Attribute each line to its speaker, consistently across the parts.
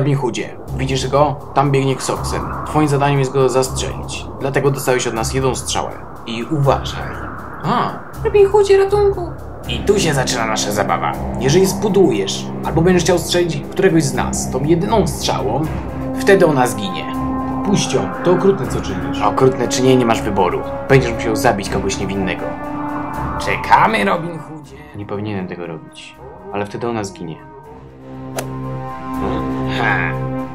Speaker 1: Robin Hoodzie, widzisz go? Tam biegnie Xoxen. Twoim zadaniem jest go zastrzelić. Dlatego dostałeś od nas jedną strzałę. I uważaj.
Speaker 2: Robin Hoodzie, ratunku!
Speaker 1: I tu się zaczyna nasza zabawa. Jeżeli spudujesz, albo będziesz chciał strzelić któregoś z nas tą jedyną strzałą, wtedy ona zginie.
Speaker 3: Puść ją, to okrutne co czynisz.
Speaker 1: Okrutne czy nie masz wyboru. Będziesz musiał zabić kogoś niewinnego.
Speaker 2: Czekamy, Robin Hoodzie.
Speaker 1: Nie powinienem tego robić, ale wtedy ona zginie.
Speaker 2: Ha.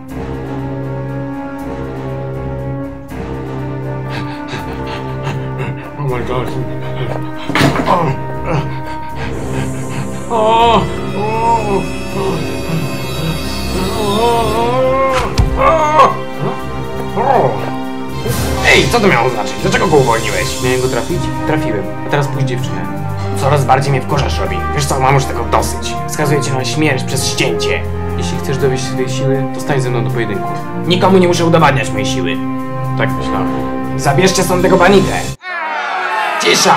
Speaker 3: Oh my god.
Speaker 2: Ej, co to miało znaczyć? Dlaczego go uwolniłeś?
Speaker 1: Miałem go trafić? Trafiłem. A teraz pójdź dziewczynę.
Speaker 2: Coraz bardziej mnie wkurzasz, Robin. Wiesz co, mam już tego dosyć. Skazuję cię na śmierć przez ścięcie.
Speaker 1: Jeśli chcesz dowieść swojej siły, to stań ze mną do pojedynku.
Speaker 2: Nikomu nie muszę udowadniać mojej siły.
Speaker 1: Tak myślałem.
Speaker 2: Zabierzcie stąd tego banitę. Cisza!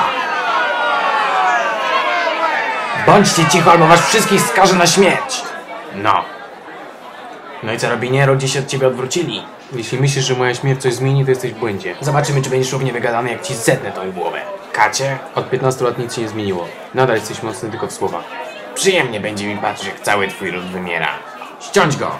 Speaker 2: Bądźcie cicho, albo was wszystkich skażę na śmierć.
Speaker 1: No.
Speaker 2: No i co, Robinie? Ludzie się od ciebie odwrócili.
Speaker 1: Jeśli myślisz, że moja śmierć coś zmieni, to jesteś w błędzie.
Speaker 2: Zobaczymy, czy będziesz równie wygadany, jak ci zetnę tą głowę. Kacie,
Speaker 1: Od 15 lat nic się nie zmieniło. Nadal jesteś mocny tylko w słowach.
Speaker 2: przyjemnie będzie mi patrzeć, jak cały twój ród wymiera. Ściąć go!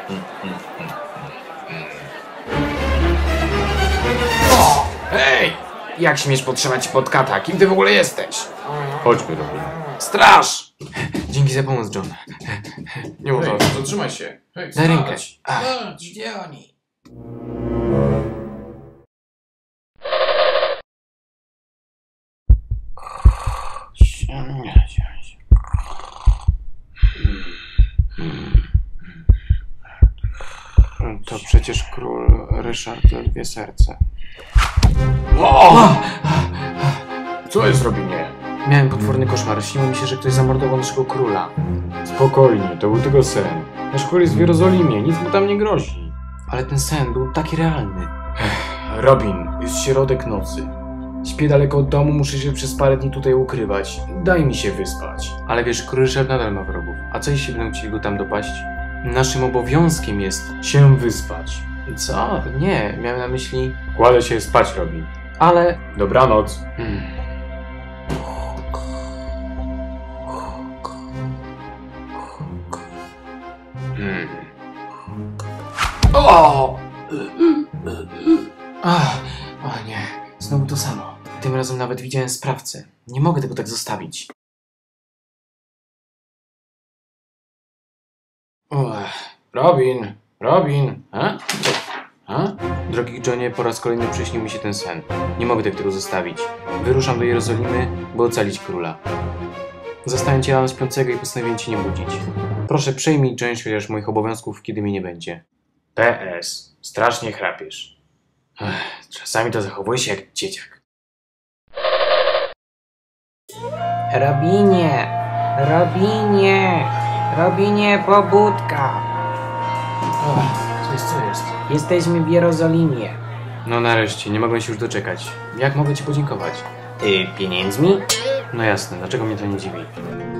Speaker 2: O! Hej! Jak śmiesz podtrzymać pod kata? Kim ty w ogóle jesteś?
Speaker 3: Chodźmy, Robin.
Speaker 2: Straż!
Speaker 1: Dzięki za pomoc, John.
Speaker 2: Nie mów o tym.
Speaker 3: Zatrzymaj się. Hej,
Speaker 1: Daj rękę.
Speaker 2: Gdzie oni?
Speaker 1: To przecież król Ryszard Ledwie Serce.
Speaker 3: Co jest, Robinie?
Speaker 1: Miałem potworny koszmar. Śniło mi się, że ktoś zamordował naszego króla.
Speaker 3: Spokojnie, to był tylko sen. Nasz król jest w Jerozolimie, nic mu tam nie grozi.
Speaker 1: Ale ten sen był taki realny.
Speaker 3: Robin, jest środek nocy. Śpię daleko od domu, muszę się przez parę dni tutaj ukrywać. Daj mi się wyspać.
Speaker 1: Ale wiesz, król Ryszard nadal ma wrogów. A co jeśli będą chcieli go tam dopaść? Naszym obowiązkiem jest...
Speaker 3: Się wyspać.
Speaker 1: Co? Nie, miałem na myśli...
Speaker 3: Kładę się spać, Robin.
Speaker 1: Ale...
Speaker 3: Dobranoc.
Speaker 1: O! O nie, znowu to samo. Tym razem nawet widziałem sprawcę. Nie mogę tego tak zostawić. Robin! Robin! Drogi Johnie, po raz kolejny przyśnił mi się ten sen. Nie mogę tego zostawić. Wyruszam do Jerozolimy, by ocalić króla. Zastałem cię rano śpiącego i postanowiłem cię nie budzić. Proszę, przejmij część chociaż moich obowiązków, kiedy mnie nie będzie.
Speaker 2: PS. Strasznie chrapiesz. Czasami to zachowuje się jak dzieciak.
Speaker 4: Robinie! Robinie! Robinie, pobudka!
Speaker 1: Co jest?
Speaker 4: Jesteśmy w Jerozolimie.
Speaker 1: No nareszcie, nie mogę się już doczekać. Jak mogę ci podziękować?
Speaker 2: Pieniędzmi?
Speaker 1: No jasne, dlaczego mnie to nie dziwi?